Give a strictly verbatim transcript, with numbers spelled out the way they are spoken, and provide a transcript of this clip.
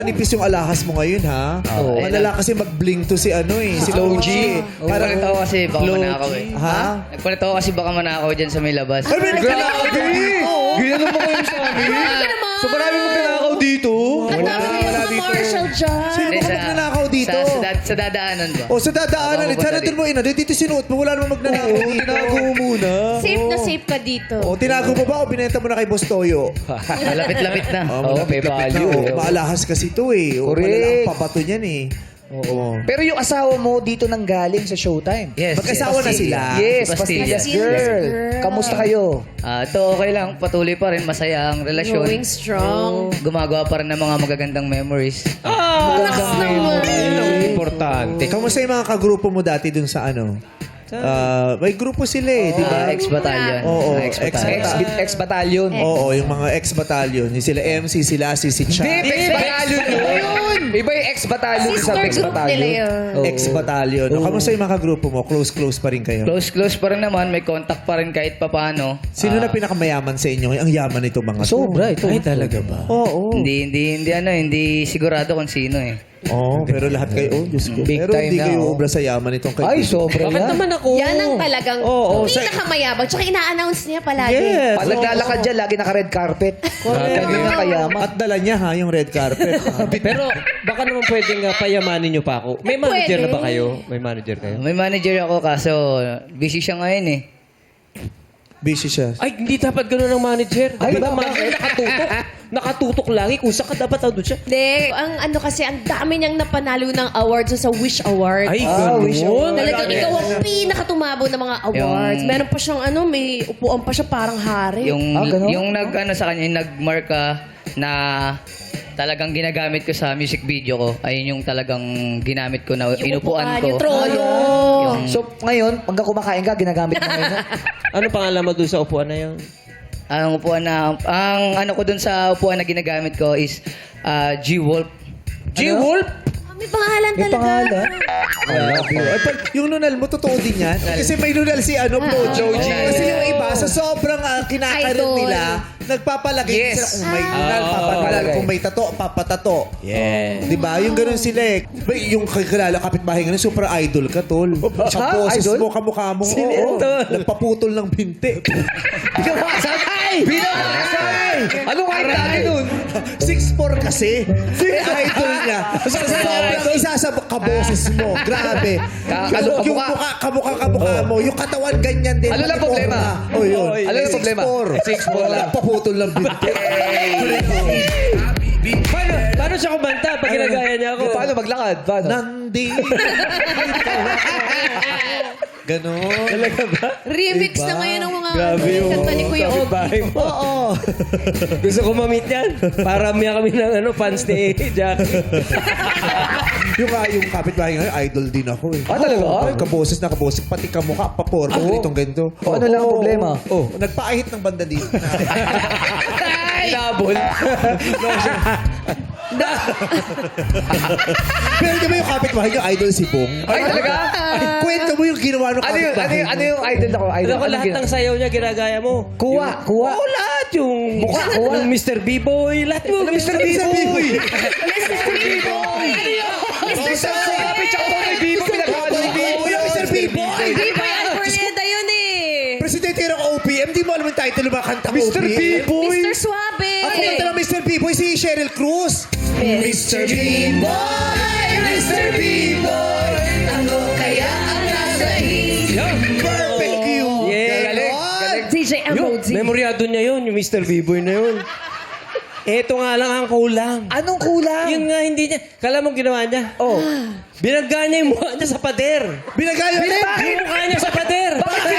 Nipis yung alahas mo ngayon, ha? Oo. Malala kasi mag-bling to si ano eh. Si Low G. Parang Nagpalit ako kasi baka Low manakaw eh. G. Ha? Nagpalit ako kasi baka manakaw dyan sa may labas. Ay, may nagkanakaw dito! Ginano mo kayo sa amin? So marami magnanakaw dito? Ang dami wala yung mga dito. Marshall dyan. Sino Hindi, ba magnanakaw dito? Sa, sa, da- sa dadaanan ba? O sa dadaanan, Ako eh, sana pupunta doon mo ina. Dito sinuot mo, wala namang magnanakaw Oo, dito. tinago mo muna. Safe na safe ka dito. O, tinago mo ba o binenta mo na kay Boss Toyo? Malapit-lapit na. Oo, may malapit-lapit value, na. eh. O, maalahas kasi to eh. O, Correct. malala ang papato niyan eh. Oo. Pero yung asawa mo dito nang galing sa Showtime. Yes. Magkasawa na sila. Yes, Pastillas Pastillas Pastillas Girl. Girl. Kamusta kayo? Ah, ito okay lang. Patuloy pa rin. Masaya ang relasyon. Growing strong. Gumagawa pa rin ng mga magagandang memories. Relax naman. Yun ang importante. Kamusta yung mga kagrupo mo dati dun sa ano? Ah, may grupo sila eh, di ba? Ah, ex-batalyon. Oo, Ah, ex-batalyon. ex- Ex-battalion. Oo, yung mga ex-battalion. Yung sila M C, sila si si Cha. Hindi, ex-battalion yun. Iba yung ex-battalion sa Sister group nila ex-battalion. yun. Oo. Ex-battalion. O, kamusta yung mga kagrupo mo? Close-close pa rin kayo? Close-close pa rin naman. May contact pa rin kahit papano. Sino Ah, na pinakamayaman sa inyo? Ang yaman nito mga to. Sobra ito. Ay, talaga ba? Oo. Hindi, hindi, hindi ano, hindi sigurado kung sino eh. Oo, pero lahat kayo, oh, Diyos ko. Big Pero time hindi na, kayo oh. obra sa yaman itong Ay, kaibigan. sobra Bakit yan. naman ako? Yan ang talagang Oo, sa- pinakamayabang. Tsaka ina-announce niya palagi. Yes. Pag naglalakad dyan, lagi naka-red carpet. Kaya nga kayaman. At dala niya ha, yung red carpet. Pero baka naman pwedeng uh, payamanin nyo pa ako. May manager Pwede. na ba kayo? May manager kayo? May manager ako kaso busy siya ngayon eh. Busy siya. Ay, hindi dapat gano'n ang manager. Ay, Ay, ba, bakit? manager nakatutok. Nakatutok lagi. Kung saan ka dapat doon siya. Hindi, ang ano kasi, ang dami niyang napanalo ng awards sa Wish Award. Ay, Ah, wish gano'n. Talagang ikaw ang pinakatumabo ng mga awards. Yung- Meron pa siyang ano, may upuan pa siya parang hari. Yung Ah, ganun? yung nag ano sa kanya, yung nagmarka na talagang ginagamit ko sa music video ko. Ayun yung talagang ginamit ko na inupuan ko. Yung trono. Yung- So, ngayon, pagka kumakain ka, ginagamit mo ngayon. Ano pangalan mo doon sa upuan na yun? ang upuan na ang ano ko dun sa upuan na ginagamit ko is ah, G-Wolf. G-Wolf? Ah, may pangalan May talaga. pangalan. Ay, pag, yung nunal mo, totoo din yan? Kasi may nunal si ano, Flo Joji. Oo. Kasi yung iba, sa sobrang uh, kinakaroon Idol. nila, nagpapalagay Yes. sila kung may Ah. nunal, Oo. papapalagay. Kung may tato, papatato. Yeah. Di ba? Yung ganun sila eh. Ba, yung kakilala kapitbahay nga, super idol ka, tol. Sa Ha? poses Idol? mo, kamukha mo. Sino oo. yan, tol? Nagpaputol ng binti. Binawasan! Binawasan! Anong kahit dati nun? six four kasi. Eh, idol niya. Sa sobrang isa sa kaboses mo. Grabe. Ka- yung, ano, yung kamukha? mukha, kamukha, kamukha mo. Yung katawan ganyan din. Ano lang pati problema? forma. Oh, yun. Ano lang problema? six four. Nagpaputol ng binti. Paano, paano siya kumanta pag ginagaya niya ako? Paano maglakad? Paano? Nandi. Ganon. Talaga ba? Remix Diba? na ngayon ng mga Grabe yung kanta ni Kuya Ogie. kapitbahay mo. Oo. Gusto ko ma-meet yan. Para miya kami ng ano, fans ni Jackie. yung, uh, yung kapitbahay nga, idol din ako eh. Ah, talaga? Ay, kaboses na kaboses. Pati kamukha, paporma. Oo. Itong ganito. O, ano lang ang problema? Oh, nagpaahit ng banda dito. Inabol. Pero di ba yung kapitbahay niyo, idol si Bong? Ay, talaga? Kwento mo yung ginawa ng Ano yung, ano kapitbahay yung, ano niyo. yung idol ako? Idol Alam ko Anong lahat gina- ng sayaw niya ginagaya mo. Kuha, kuha. Oo, lahat. Yung, Mukha, kuha. yung mister B-Boy. Lahat mo. mister B-Boy? mister B-Boy! mister Sabi, tsaka po kay Bibo, pinagawa ni Bibo. Yung mister B-Boy! B-Boy Arboleda yun eh. Presidente ng O P M, di mo alam yung title ng mga kantang mister O P M. B-Boy. mister Suave. Ako kanta ng mister B-Boy, si Cheryl Cruz. mister B-Boy, mister B-Boy, ano kaya ang nasa isip? Perfect you. Yeah. Galing, Ganon. D J Yung, Emoji. memoryado niya yun, yung mister B-Boy na yun. Eto nga lang ang kulang. Anong kulang? Yun nga, hindi niya. Kala mo ginawa niya? Oh. Binagga niya yung mukha niya sa pader. Binagaya ulit. Yung mukha niya sa pader. Bakit